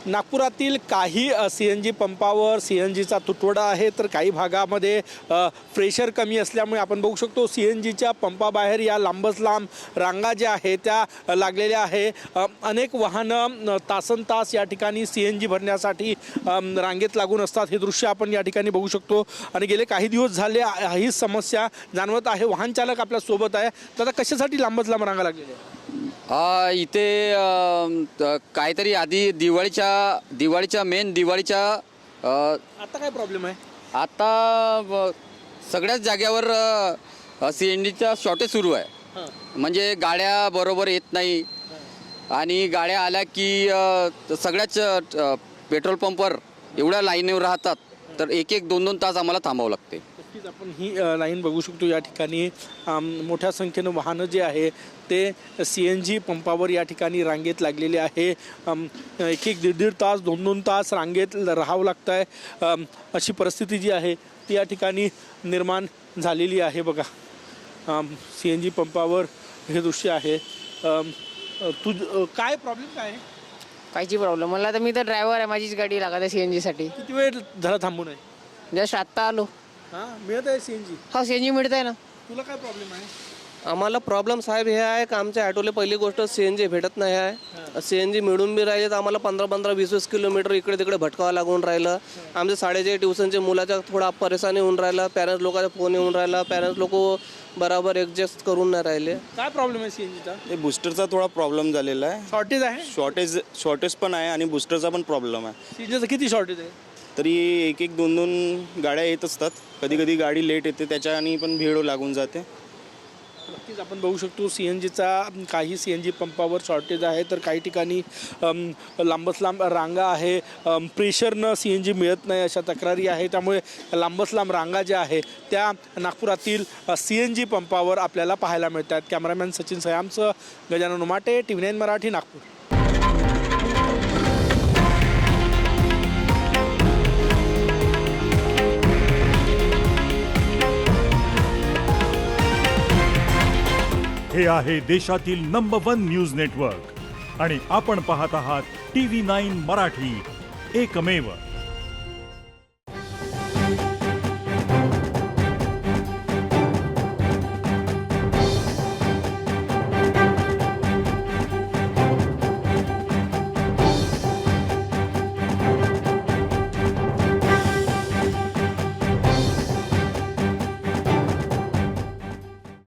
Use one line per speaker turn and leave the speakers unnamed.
नागपुरातील काही CNG पंपावर CNGचा तुटवडा आहे, तर काही भागामध्ये प्रेशर कमी असल्यामुळे आपण बघू शकतो CNGच्या पंपाबाहेर या लांबच लांब रांगा ज्या आहेत त्या लागलेल्या आहे। अनेक वाहनं तासनतास या ठिकाणी CNG भरण्यासाठी रांगेत लागून असतात। हे दृश्य आपण या ठिकाणी बघू शकतो आणि गेले काही दिवस झाले ही समस्या जाणवत आहे। वाहन चालक आपल्या सोबत आहे, तर आता कशासाठी लांबच लांब रांगा लागलेल्या आहेत?
इथे काहीतरी आधी दिवाळीच्या
आता काय प्रॉब्लेम आहे?
आता सगळ्याच जाग्यावर CNGचा शॉर्टेज सुरू आहे। म्हणजे गाड्या बरोबर येत नाही आणि गाड्या आल्या की सगळ्याच पेट्रोल पंपवर एवढ्या लाईनीवर राहतात, तर एक दोन तास आम्हाला थांबावं लागते।
नक्कीच आपण ही लाईन बघू शकतो। या ठिकाणी मोठ्या संख्येनं वाहनं जे आहे ते CNG पंपावर या ठिकाणी रांगेत लागलेले आहे। एक दीड तास दोन तास रांगेत राहावं लागतं आहे। अशी परिस्थिती जी आहे ती या ठिकाणी निर्माण झालेली आहे। बघा CNG पंपावर हे दृश्य आहे। काय प्रॉब्लेम काय आहे?
कायची प्रॉब्लेम मला तर मी तर ड्रायव्हर आहे, माझीच गाडी लागत आहे CNG साठी।
किती वेळ झाला थांबून आहे?
जस्ट आत्ता आलो।
हां, मिळत आहे CNG?
हा CNG मिळत आहे ना।
तुला काय प्रॉब्लेम आहे?
आम्हाला प्रॉब्लेम साहेब हे आहे का आमच्या ऑटोला पहिली गोष्ट CNG भेटत नाही आहे। CNG मिळून बी राहिले तर आम्हाला 15-20 किलोमीटर इकडे तिकडे भटकावं लागून राहिलं। आमच्या शाळेचे ट्युशनचे मुलाचा थोडा परेशानी होऊन राहिला, पॅरेंट्स लोकांचा फोन येऊन राहिला, पॅरेंट्स लोक बरोबर ॲडजस्ट करून नाही राहिले।
काय प्रॉब्लेम आहे CNGचा?
हे बूस्टरचा थोडा प्रॉब्लेम झालेला आहे।
शॉर्टेज आहे?
शॉर्टेज पण आहे आणि बूस्टरचा पण प्रॉब्लेम आहे।
CNGचं किती शॉर्टेज आहे?
तरी एक दोन गाड्या येत असतात, कधी कधी गाडी लेट येते, त्याच्याने पण भीड लागून जाते।
नक्कीच आपण बघू शकतो CNGचा काही CNG पंपावर शॉर्टेज आहे, तर काही ठिकाणी लांबच लांब रांगा आहे। प्रेशरनं CNG मिळत नाही अशा तक्रारी आहे, त्यामुळे लांबच लांब रांगा ज्या आहे त्या नागपुरातील CNG पंपावर आपल्याला पाहायला मिळतात। कॅमेरामॅन सचिन सयामसह गजानन उमाटे, TV9 मराठी, नागपूर।
हे आहे देशातील नंबर 1 न्यूज नेटवर्क आणि आपण पाहत आहात TV9 मराठी, एकमेव।